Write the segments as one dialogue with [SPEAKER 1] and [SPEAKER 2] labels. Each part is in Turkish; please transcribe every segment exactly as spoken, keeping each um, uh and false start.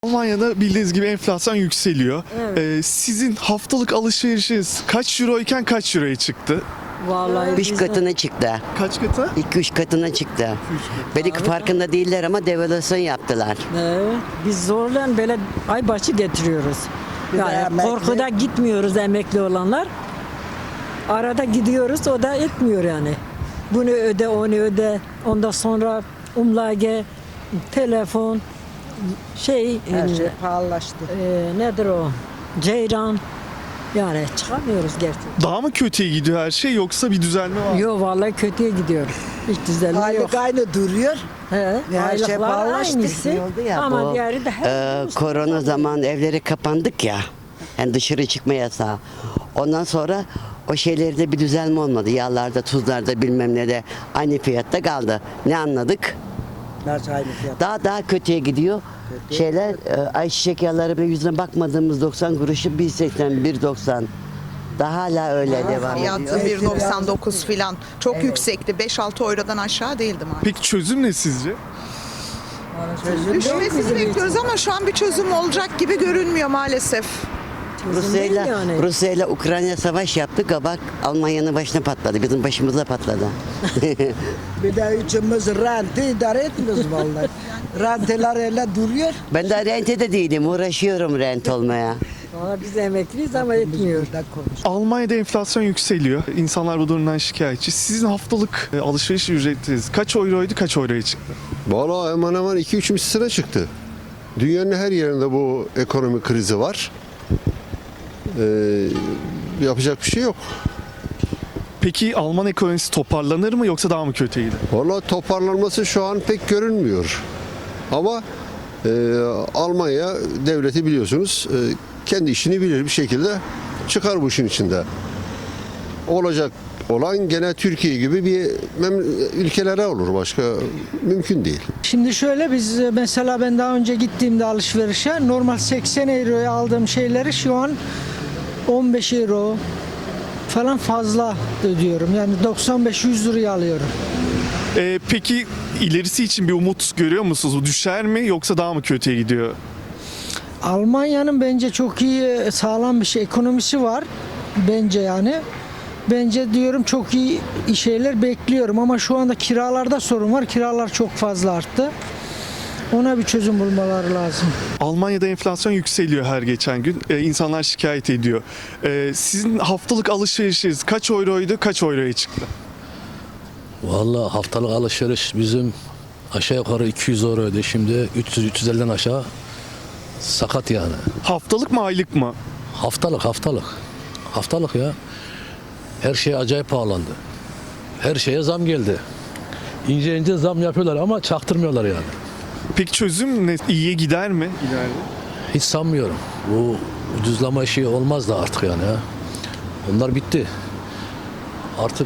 [SPEAKER 1] Almanya'da bildiğiniz gibi enflasyon yükseliyor.
[SPEAKER 2] Evet.
[SPEAKER 1] Ee, sizin haftalık alışverişiniz kaç euro iken kaç euroya çıktı?
[SPEAKER 2] Vallahi
[SPEAKER 3] Üç
[SPEAKER 2] biz-
[SPEAKER 3] katına çıktı.
[SPEAKER 1] Kaç katı?
[SPEAKER 3] İki üç katına çıktı. Belki farkında değiller ama devalüasyon yaptılar.
[SPEAKER 2] Evet, biz zorla böyle aybaşı getiriyoruz. Yani korkuda gitmiyoruz emekli olanlar. Arada gidiyoruz, o da etmiyor yani. Bunu öde, onu öde. Ondan sonra umlage, telefon, şey,
[SPEAKER 4] Her
[SPEAKER 2] e,
[SPEAKER 4] şey pahalılaştı.
[SPEAKER 2] e, nedir o? Ceyran. Yani çıkamıyoruz gerçekten.
[SPEAKER 1] Daha mı kötüye gidiyor her şey yoksa bir düzelme var mı?
[SPEAKER 2] Yok vallahi kötüye gidiyor. Hiç düzelme yok.
[SPEAKER 4] Aylık aynı duruyor.
[SPEAKER 2] He,
[SPEAKER 4] her şey
[SPEAKER 2] aylıklar
[SPEAKER 4] pahalılaştı.
[SPEAKER 2] aynısı.
[SPEAKER 3] Oldu ya
[SPEAKER 2] Ama
[SPEAKER 3] bu,
[SPEAKER 2] diğeri de her
[SPEAKER 3] Ee, korona zaman evleri kapandık ya. Yani dışarı çıkma yasağı. Ondan sonra o şeylerde bir düzelme olmadı. Yağlarda, tuzlarda bilmem ne de aynı fiyatta kaldı. Ne anladık?
[SPEAKER 4] Nasıl aynı fiyat?
[SPEAKER 3] Daha daha kötüye gidiyor. Şeyler e, ayçiçek yağları bile yüzüne bakmadığımız doksan kuruşu bir seksen bir doksan. Daha hala öyle devam
[SPEAKER 5] Fiyatı
[SPEAKER 3] ediyor.
[SPEAKER 5] bir doksan dokuz filan. Çok yüksekti. beş altı eurodan aşağı değildi maalesef.
[SPEAKER 1] Peki çözüm ne sizce?
[SPEAKER 5] Düşmesini bekliyoruz ama şu an bir çözüm olacak gibi görünmüyor maalesef.
[SPEAKER 3] Rusya ile
[SPEAKER 2] yani.
[SPEAKER 3] Rusya ile Ukrayna savaş yaptı. Kabak Almanya'nın başına patladı. Bizim başımıza patladı.
[SPEAKER 4] Bir de üçümüz rente idare etmiyoruz vallahi. Renteler öyle duruyor.
[SPEAKER 3] Ben de rentede değilim. Uğraşıyorum rent olmaya.
[SPEAKER 2] Valla biz emekliyiz ama etmiyor.
[SPEAKER 4] Burada konuş.
[SPEAKER 1] Almanya'da enflasyon yükseliyor. İnsanlar bu durumdan şikayetçi. Sizin haftalık e, alışveriş ücretiniz kaç euroydu, kaç euroya çıktı?
[SPEAKER 6] Valla hemen hemen iki üç misline çıktı. Dünyanın her yerinde bu ekonomi krizi var. Ee, yapacak bir şey yok.
[SPEAKER 1] Peki Alman ekonomisi toparlanır mı yoksa daha mı kötüye gider?
[SPEAKER 6] Valla toparlanması şu an pek görünmüyor. Ama e, Almanya devleti biliyorsunuz e, kendi işini bilir bir şekilde çıkar bu işin içinde. Olacak olan gene Türkiye gibi bir mem- ülkelere olur. Başka mümkün değil.
[SPEAKER 7] Şimdi şöyle biz e, mesela ben daha önce gittiğimde alışverişe normal seksen euroya aldığım şeyleri şu an on beş euro falan fazla ödüyorum. Yani doksan beş yüz liraya alıyorum.
[SPEAKER 1] Ee, peki ilerisi için bir umut görüyor musunuz? Düşer mi yoksa daha mı kötüye gidiyor?
[SPEAKER 7] Almanya'nın bence çok iyi e, sağlam bir şey ekonomisi var. Bence yani. Bence diyorum çok iyi şeyler bekliyorum ama şu anda kiralarda sorun var. Kiralar çok fazla arttı. Ona bir çözüm bulmaları lazım.
[SPEAKER 1] Almanya'da enflasyon yükseliyor her geçen gün. Ee, insanlar şikayet ediyor. Ee, sizin haftalık alışverişiniz kaç euroydu, kaç euroya çıktı?
[SPEAKER 8] Vallahi haftalık alışveriş bizim aşağı yukarı iki yüz euroydu. Şimdi üç yüz üç yüz elliden aşağı sakat yani.
[SPEAKER 1] Haftalık mı, aylık mı?
[SPEAKER 8] Haftalık haftalık. Haftalık ya. Her şey acayip pahalandı. Her şeye zam geldi. İnce ince zam yapıyorlar ama çaktırmıyorlar yani.
[SPEAKER 1] Peki çözüm ne? İyiye gider mi ileride?
[SPEAKER 8] Hiç sanmıyorum. Bu ucuzlama işi olmaz da artık yani ya. Onlar bitti. Artık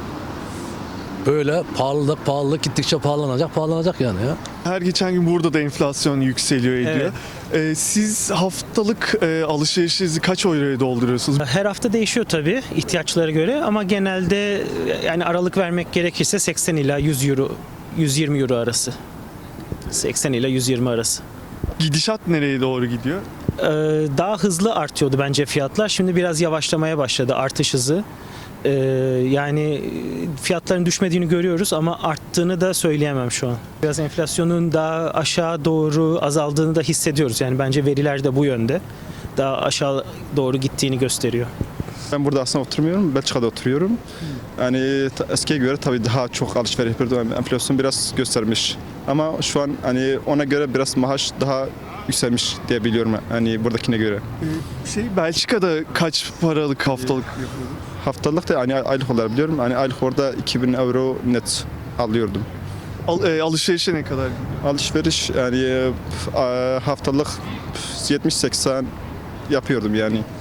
[SPEAKER 8] böyle pahalılık pahalılık gittikçe pahalanacak pahalanacak yani ya.
[SPEAKER 1] Her geçen gün burada da enflasyon yükseliyor ediyor. Ee, siz haftalık e, alışverişinizi kaç euroya dolduruyorsunuz?
[SPEAKER 9] Her hafta değişiyor tabii ihtiyaçlara göre ama genelde yani aralık vermek gerekirse seksen ila yüz euro, yüz yirmi euro arası. seksen ila yüz yirmi arası.
[SPEAKER 1] Gidişat nereye doğru gidiyor?
[SPEAKER 9] Ee, daha hızlı artıyordu bence fiyatlar. Şimdi biraz yavaşlamaya başladı artış hızı. Ee, yani fiyatların düşmediğini görüyoruz ama arttığını da söyleyemem şu an. Biraz enflasyonun daha aşağı doğru azaldığını da hissediyoruz. Yani bence veriler de bu yönde. Daha aşağı doğru gittiğini gösteriyor.
[SPEAKER 10] Ben burada aslında oturmuyorum, Belçika'da oturuyorum. Yani ta- eskiye göre tabii daha çok alışveriş yapıyordum. Yani enflasyon biraz göstermiş. Ama şu an hani ona göre biraz maaş daha yükselmiş diye biliyorum. Hani buradakine göre.
[SPEAKER 1] Şey Belçika'da kaç paralık haftalık yapıyordunuz?
[SPEAKER 10] Haftalık da hani aylık olarak biliyorum. Hani aylık orada iki bin euro net alıyordum.
[SPEAKER 1] Al, e, alışverişe ne kadar?
[SPEAKER 10] Alışveriş yani e, haftalık yetmiş seksen yapıyordum yani.